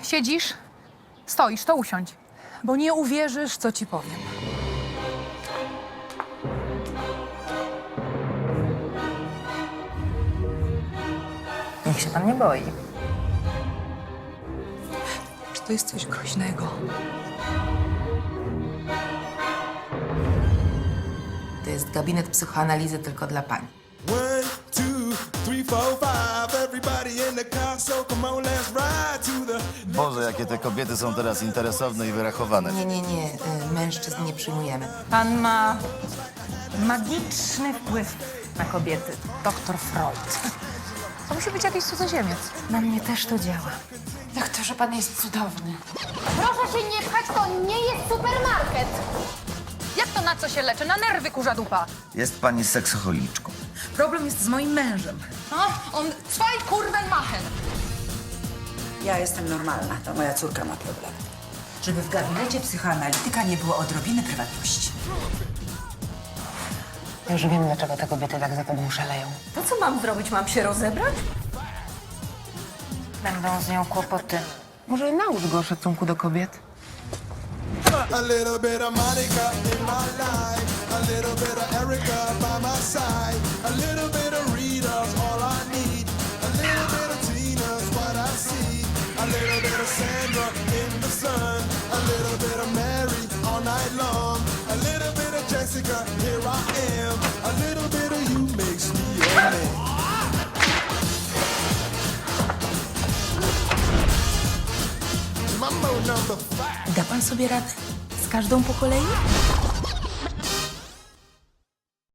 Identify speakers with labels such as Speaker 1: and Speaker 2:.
Speaker 1: Siedzisz? Stoisz, to usiądź. Bo nie uwierzysz, co ci powiem.
Speaker 2: Niech się pan nie boi.
Speaker 1: Czy to jest coś groźnego?
Speaker 2: To jest gabinet psychoanalizy tylko dla pań.
Speaker 3: 1, 2, 3, 4, 5. Everybody in the car, so come on, let's ride to the.
Speaker 4: Boże, jakie te kobiety są teraz interesowne i wyrachowane.
Speaker 2: Nie. Mężczyzn nie przyjmujemy.
Speaker 1: Pan ma magiczny wpływ na kobiety. Doktor Freud. To musi być jakiś cudzoziemiec.
Speaker 2: Na mnie też to działa.
Speaker 1: Doktorze, pan jest cudowny.
Speaker 5: Proszę się nie pchać, to nie jest supermarket.
Speaker 1: Jak to na co się leczy? Na nerwy, kurza dupa.
Speaker 4: Jest pani seksocholiczką.
Speaker 1: Problem jest z moim mężem. On zwei kurwen machen.
Speaker 6: Ja jestem normalna, to moja córka ma problem. Żeby w gabinecie psychoanalityka nie było odrobiny prywatności.
Speaker 2: Już wiem, dlaczego te kobiety tak za tobą szaleją.
Speaker 6: To co mam zrobić? Mam się rozebrać?
Speaker 2: Będą z nią kłopoty. Może naucz go szacunku do kobiet?
Speaker 3: A little bit of Monica in my life, a little bit of Erica by my side, a little bit of Rita's all I need, a little bit of Tina's what I see, a little bit of Sandra in the sun, a little bit of Mary all night long, a little bit of Jessica, here I am, a little bit of you makes me a man. Mambo number 5.
Speaker 1: Da pan sobie radę? Z każdą po kolei?